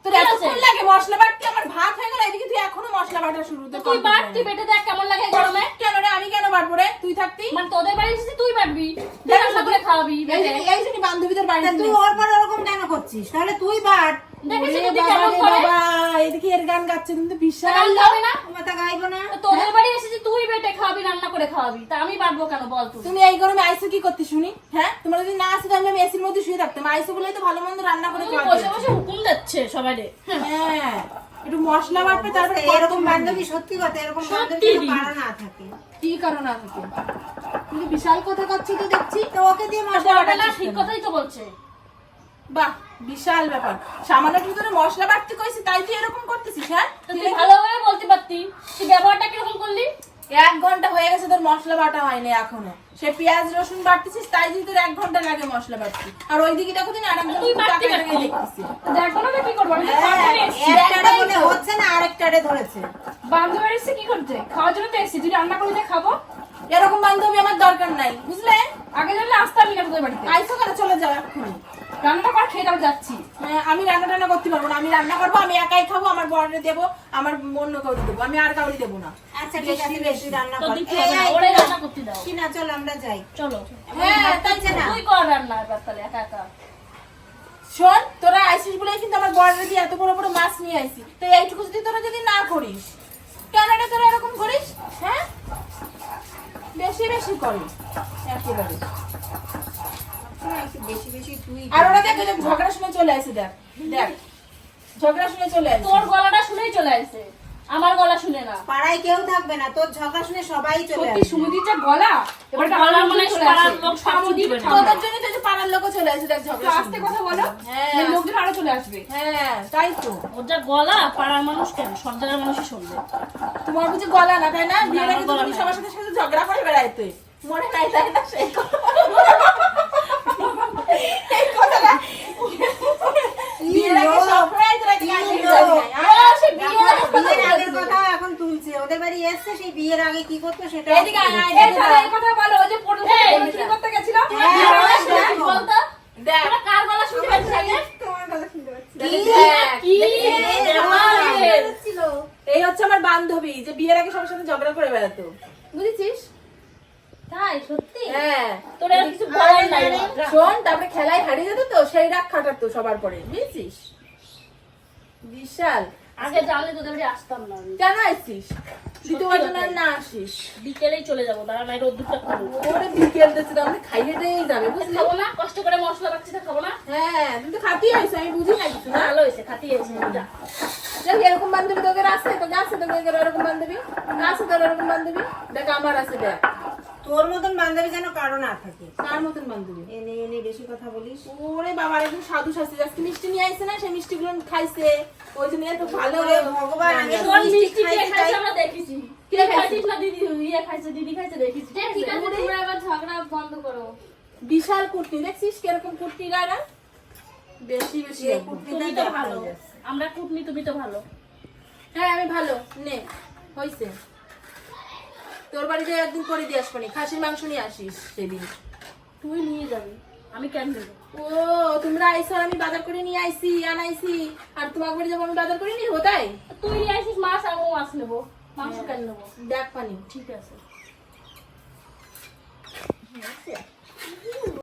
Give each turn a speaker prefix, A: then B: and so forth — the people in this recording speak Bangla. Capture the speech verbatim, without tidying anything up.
A: তোর এতক্ষণ লাগে মশলা বাটতে, আমার ভাত হয়ে গেল এদিকে তুই এখনো মশলা বাটা শুরু।
B: তুই বাট, তুই বেটে দেখ কেমন লাগে গরমে।
A: কেন রে, আমি কেন বাটবো রে, তুই থাকতি?
B: মানে তোদের বাড়ি এসেছিস তুই বাটবি, তুই রান্না করে খাওয়াবি।
A: এই জন্য বান্ধবীদের বাড়ি
C: তুই ওর পর ওরকম কেন করছিস? তাহলে তুই বাট।
B: দেখেছিস তুই কেমন করে?
A: বাবা এদিকে এর গান গাচ্ছে কিন্তু বিশাল
B: হবে না,
C: মাথা গাইবো না।
B: তোদের বাড়ি এসেছিস তুই বেটে খাওয়াবি, রান্না করে খাওয়াবি, তা আমি বাটবো কেন বল তুই?
A: তুমি এই গরমে আইসো কি করতে শুনি? হ্যাঁ তোমার যদি না আসে তাহলে আমি এসির মধ্যে শুয়ে থাকতাম। আইসো বলেই তো ভালো মন্দ রান্না করে খাওয়া
B: বসে বসে হুকুম দিচ্ছে সবাইরে।
A: হ্যাঁ একটু মশলা বাটবে তারপরে
C: এরকম বান্ধবী, সত্যি কথা, এরকম বান্ধবী পারা না থাকে।
A: কি কারণ আছে? কিন্তু বিশাল কথা করছি তো দেখছি।
C: তো ওকে দিয়ে মশলা
B: বড়বেলা ঠিক কথাই তো বলছে।
A: বাহ বিশাল ব্যাপার, সামান্য একটু করে মশলা বাটতে কইছি তাই তুই এরকম করতেছিস? হ্যাঁ
B: তুই ভালোভাবে বলতে পারতি, তুই ব্যবহারটা কিরকম করলি?
A: এক ঘন্টা হয়ে গেছে তোর মশলা বাটা হয়নি এখনো। সে পেঁয়াজ রসুন বাটতেছিস তাই যদি তোর এক ঘন্টা লাগে মশলা বাটতে, আর ওইদিকে দেখো দিন আর
B: তুই বাটতে পারতি, দেখো না কি করবো?
C: একটারে বলে হচ্ছে না, আরেকটারে ধরেছে।
B: বান্ধবী এসে কি করতে? খাওয়ার জন্য তো এসেছি, তুই রান্না করলে খাবো।
A: এরকম বান্ধবী আমার দরকার নাই, বুঝলে?
B: আগে জানলে আসতামই না তোদের বাড়িতে।
A: আইসো করে চলে যাও এক্ষুনি।
B: রান্না কর, খেয়ে তারপর যাচ্ছি।
A: হ্যাঁ, আমি রান্না টান্না করতে পারবো না, আমি রান্না করবো, আমি একাই খাবো, আমার বড়রে দেবো, আমার অন্য কাউকে দেবো, আমি আর কাউকে দেবো না।
C: আচ্ছা ঠিক আছে, বেশি রান্না
B: তো
C: কর।
B: দিতে হবে না, ওরাই রান্না করতে দাও।
C: কি না, চল আমরা যাই।
B: চলো।
A: হ্যাঁ তাই
C: না
B: তুই কর রান্না এবার তাহলে একা একা।
A: শোন, তোরা আইসিস বলে কিন্তু আমার বড়রে দিয়ে এত বড় বড় মাছ নিয়ে আইসি, তো এইটুকু যদি তোরা যদি না করিস, কেন রে তোরা এরকম করিস? হ্যাঁ বেশি বেশি করিস একেবারে।
C: বেশি বেশি তুই।
A: আর ওরা দেখ ওই যে ঝগড়া শুনে চলে আসে, দেখ দেখ ঝগড়া শুনে চলে আসে।
B: তোর গলাটা শুনেই চলে আসে, আমার গলা শুনে না।
C: পাড়ায় কেউ থাকবে না, তোর ঝগড়া শুনে সবাই চলে
B: সত্যি
C: আসবে।
B: সুমতির যা গলা, এবার গলা মানে পাড়ার লোক সব দিবে।
A: তোদের জন্য তো এই যে পাড়ার লোকও চলে আসে, দেখ ঝগড়া শুনে।
B: আস্তে কথা বলো,
A: হ্যাঁ
B: লোকজন আরো চলে আসবে।
A: হ্যাঁ তাই তো।
B: ওর যা গলা, পাড়ার মানুষ কেন সর্দারের মানুষই শুনবে।
A: তোমার বুঝি গলা না তাই না? বিয়ের আগে
B: আমার গলা
A: তুমি
B: নাই।
A: সবার সাথে সাথে ঝগড়া করে বেড়াইতে মনে নাই তাই না? সেই কথা। এই কথাটা বিয়ের আগে সবরাই তোরা কি আগে জানি না।
B: আহ, সে বিয়ের আগে কথা
C: বিয়ের আগের
B: বলছে।
C: কথা এখন তুলছে। ওদের বাড়ি এসছে, সেই বিয়ের আগে কি করতো সেটা
A: এদিকে আয়, আয়,
B: এই তাহলে এই কথা বলো, ওই যে পড়তে কি করতে গেছিল?
C: হ্যাঁ,
B: বিয়ের গলা
C: হ্যাঁ,
B: শুনে
C: হ্যাঁ।
B: বলতো,
A: দেখ
B: তোরা কার গলা শুনতে পাচ্ছিস আগে?
C: তোমার কথা শুনতে পাচ্ছি।
A: দেখ,
B: কি ব্যাপার?
C: ছিল।
A: এই হচ্ছে আমার বান্ধবী যে বিয়ের আগে সবার সাথে ঝগড়া করে বেড়াতো, বুঝেছিস?
B: তাই সত্যি?
A: হ্যাঁ
B: তোর আর কিছু বলার নাই আমার।
A: শোন, তারপরে খেলায় হারিয়ে যেত তো সেই রাগ খাটাতো সবার পরে, বুঝেছিস? বিশাল।
B: আগে জানলে তোদের বাড়ি আসতাম না আমি।
A: কেন আসছিস? দ্বিতীয়বার জন্য আর না আসিস।
B: বিকেলেই চলে যাবো, দাঁড়া নাই রোদ্দুরটা খাবো।
A: ওরে বিকেল দিচ্ছে তো আমরা খাইয়ে দিয়েই যাবে, বুঝলি?
B: খাবো না, কষ্ট করে মশলা বাচ্চি খাবো না।
A: হ্যাঁ তুমি তো খাতেই আইছো, আমি বুঝি না কিছু না।
B: ভালো হয়েছে, খাতি হয়েছে। যা।
A: দেখ এরকম বান্ধবী তোদের আছে, তোকে আছে তোকে এরকম বান্ধবী আছে, তোর এরকম বান্ধবী দেখ আমার আছে। দেখ
C: তোর মতন বান্ধবী যেন কারো না থাকে।
A: কার মতন বান্ধবী?
C: এনে এনে বেশি কথা বলিস।
A: ওরে বাবা, একদম সাধু শাস্তি। আজকে মিষ্টি নিয়ে আইছে না, সেই মিষ্টি গুলো খাইছে, ওই জন্য এত ভালো।
C: ওরে ভগবান, আমি তো
B: তোর
C: মিষ্টি
B: মিষ্টি কে
C: খাইতে
B: খাইছে
C: চাই।
B: আমরা দেখেছি।
A: কে
B: কে
A: খাইছে?
B: খাইছিস না দিদি, ইয়ে খাইছে, দিদি খাইছে দেখেছি। ঠিক আছে, তোমরা এবার ঝগড়া বন্ধ করো।
A: বিশাল কুটনি, দেখছিস কিরকম কুটনি গায়রা? বেশি বেশি
C: যে
A: একদম।
C: কুটনি
B: তুমি তো ভালো, আমরা কুটনি, তুমি তো ভালো।
A: হ্যাঁ আমি ভালো। নে হইছে, তোর বাড়িতে একদিন করে দিয়ে আসবো নি, খাসির মাংস নিয়ে আসিস সেদিন।
B: তুই নিয়ে যাবি, আমি কেন নেবো?
A: ও তোমরা আইসো, আর আমি বাজার করে নিয়ে আইসি আনাইছি, আর তোমার বাড়ি যাবো আমি বাজার করে নিয়ে তাই?
B: তুই নিয়ে আসিস মাছ, আর ও মাছ নেবো, মাংস কেন নেবো?
A: দেখ পানি।
B: ঠিক আছে।